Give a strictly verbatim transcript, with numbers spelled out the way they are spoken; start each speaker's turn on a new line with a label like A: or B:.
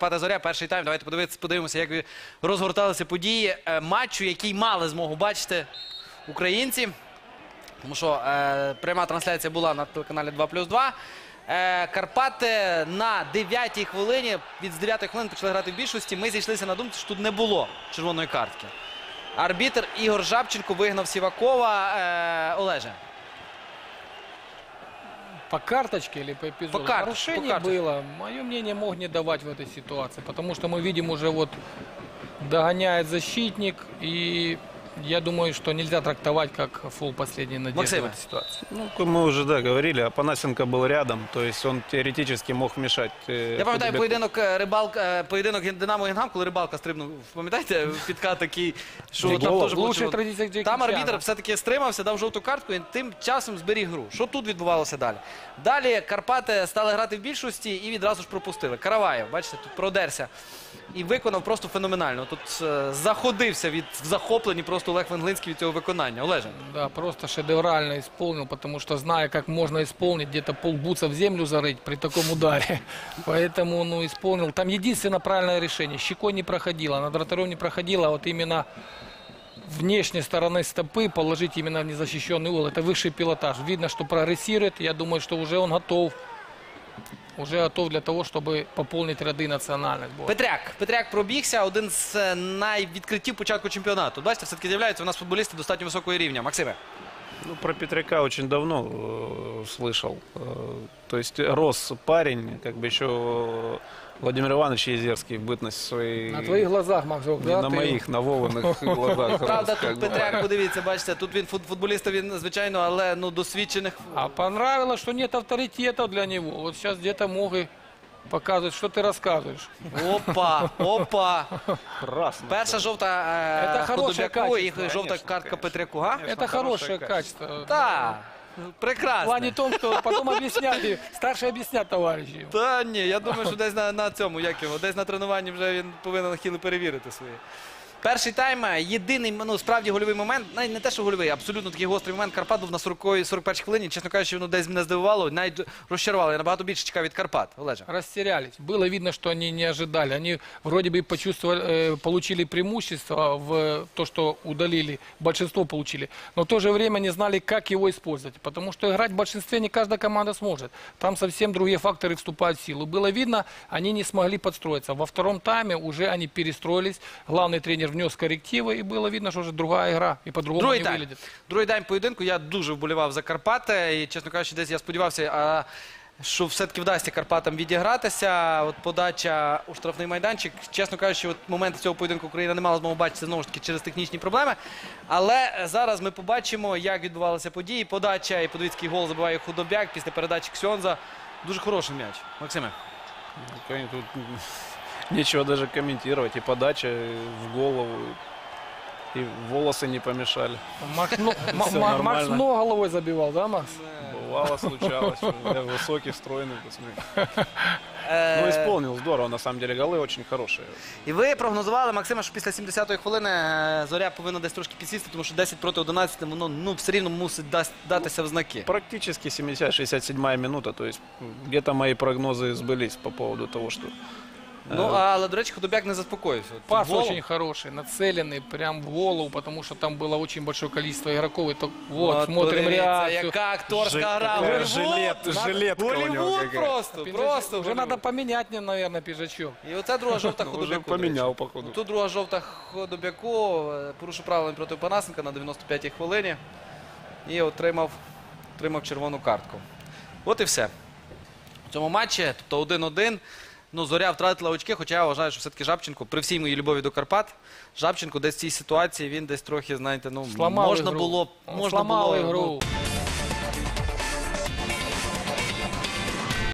A: Карпата Зоря. Перший тайм. Давайте подивитися, подивимося, як розгорталися події матчу, який мали змогу бачити українці. Тому що е, пряма трансляція була на телеканалі два плюс два. Е, Карпати на дев'ятій хвилині, від з дев'ятої хвилини почали грати в більшості. Ми зійшлися на думці, що тут не було червоної картки. Арбітр Ігор Жабченко вигнав Сівакова. Е, Олеже.
B: По карточке или по эпизоду?
A: По карточке,
B: Нарушение
A: по карточке.
B: было. Мое мнение, мог не давать в этой ситуации. Потому что мы видим, уже вот догоняет защитник. И я думаю, что нельзя трактовать как фул последней надежды
A: Максим.
B: в этой ситуации.
C: Ну, мы уже, да, говорили, Апанасенко был рядом, то есть он теоретически мог мешать. Э,
A: Я пам'ятаю
C: Худобяку.
A: поєдинок Рибалка, поєдинок Динамо Гінгам, коли Рибалка стрибнув, пам'ятаєте, підкат такий, що
B: Джекі
A: там
B: Лоу.
A: теж було
B: Лучших
A: червоно.
B: традиціях Джекі
A: Там арбітр
B: Чана.
A: все-таки стримався, дав жовту картку і тим часом зберіг гру. Що тут відбувалося далі? Далі Карпати стали грати в більшості і відразу ж пропустили. Караваєв, бачите, тут продерся і виконав просто феноменально. Тут е, заходився від в захопленні просто Олег Венглинський від цього виконання. Олеже.
B: Да, просто шедеврально исполнил, потому что, зная, как можно исполнить, где-то полбуца в землю зарыть при таком ударе. Поэтому, ну, исполнил. Там единственное правильное решение. Щекой не проходило, над вратарем не проходило, а вот именно внешней стороны стопы положить именно в незащищенный угол. Это высший пилотаж. Видно, что прогрессирует. Я думаю, что уже он готов. Уже готов для того, чтобы пополнить ряды национальных сборных.
A: Петряк. Петряк пробігся, один з е, найвідкриттів початку чемпіонату. Бачите, все-таки з'являються у нас футболісти достатньо високого рівня. Максиме.
C: Ну, про Петряка очень давно э, слышал. Э, то есть рос парень, как бы еще Владимир Иванович Езерский в бытность своей...
B: На твоих глазах, Максок,
C: Не
B: да?
C: на
B: ты-
C: моих, на Вованых глазах.
A: Правда,
C: рос, как
A: тут
C: бы.
A: Петряк, подивіться, бачите, тут він фут- футболіста, він, звичайно, але ну, досвідчених.
B: А понравилось, что нет авторитета для него. Вот сейчас где-то мог и показывать, что ты рассказываешь.
A: Опа, опа.
C: Красно.
A: Перша жовта
B: Це
A: е,
B: хороше
A: Худобяку і
B: качество.
A: жовта
C: Конечно,
A: картка
C: конечно.
A: Петряку. Га?
C: Конечно,
B: Это хорошее
C: хорошее
B: качество.
A: Так,
B: В
A: прекрасно.
B: плане том, что потом объясняли, старшие объяснят товарищи.
A: Та ні, я думаю, що десь на, на цьому, як його, десь на тренуванні вже він повинен хіли перевірити свої. Перший тайм, єдиний, ну, справді гольовий момент, навіть не те, що гольовий, абсолютно такий гострий момент. Карпат був на сороковій сорок першій хвилині. Чесно кажучи, воно десь мене здивувало, навіть розчарувало. Я набагато більше чекав від Карпат. Олеже.
B: Растерялись. Было видно, что они не ожидали. Они вроде бы почувствовали, э, получили преимущество в то, что удалили, большинство получили, но в то же время не знали, как его использовать. Потому что играть в большинстве не каждая команда сможет. Там совсем другие факторы вступают в силу. Было видно, они не смогли подстроиться. Во втором тайме уже они перестроились. Главный тренер внес коррективы, и было видно, что уже другая игра, и по-другому
A: Другий
B: не
A: тайм.
B: выглядит.
A: Другий тайм поєдинку. Я дуже вболівав за Карпати. І, чесно кажучи, десь я сподівався, а, що все-таки вдасться Карпатам відігратися. От подача у штрафний майданчик. Чесно кажучи, от моменти цього поєдинку Україна не мала змогу бачити, знову ж таки, через технічні проблеми. Але зараз ми побачимо, як відбувалися події. Подача і подивіться, який гол забиває Худобяк після передачі Ксьонза. Дуже хороший м'яч. Максиме.
C: Ну, конечно, тут нечего даже комментировать. И подача в голову, и волосы не помешали.
B: Макс, ну, Ма-
C: Всё
B: Ма- Макс
C: нормально.
B: много головой забивал, да, Макс?
C: Бывало, случалось. Я высокий, стройный, посмотри.
A: Е,
C: Ну, исполнил здорово, на самом деле. Голы очень хорошие.
A: І ви прогнозували, Максиме, що після сімдесятої хвилини е, Зоря повинна десь трошки підсісти, тому що десять проти одинадцяти, воно ну, все рівно мусить дасть- датися в знаки.
C: Практически семьдесят-шестьдесят седьмая минута. То есть где-то мои прогнозы сбылись по поводу того, что...
A: Ну, але, до речі, Худобяк не заспокоївся. От
B: Пас
A: голом.
B: очень хороший, нацеленный прям в голову, потому что там было очень большое количество игроков. И то, вот,
A: От,
B: смотрим
A: подивіться,
B: реакцию.
A: яка акторська
C: Жи-
A: гра.
C: такая
A: Голівуд!
C: жилет- жилетка у него
A: Голівуд
C: какая.
A: просто,
B: Пиджачок.
A: просто
B: Уже
A: Голівуд.
B: надо поменять мне, наверное, пиджачок.
A: І оце друга жовта
C: Ну, уже
A: Худобяку.
C: поменял,
A: до речі.
C: походу.
A: Тут друга жовта Худобяку, е, порушив правила проти Панасенка на дев'яносто п'ятій хвилині. І отримав, отримав червону картку. От і все. В цьому матчі, тобто один-один. Ну, Зоря втратила очки, хоча я вважаю, що все-таки Жабченко, при всій моїй любові до Карпат, Жабченко десь в цій ситуації, він десь трохи, знаєте, ну,
B: Сломал
A: можна
B: игру.
A: було,
B: Он
A: можна
B: сломал
A: було,
B: игру.
A: ну,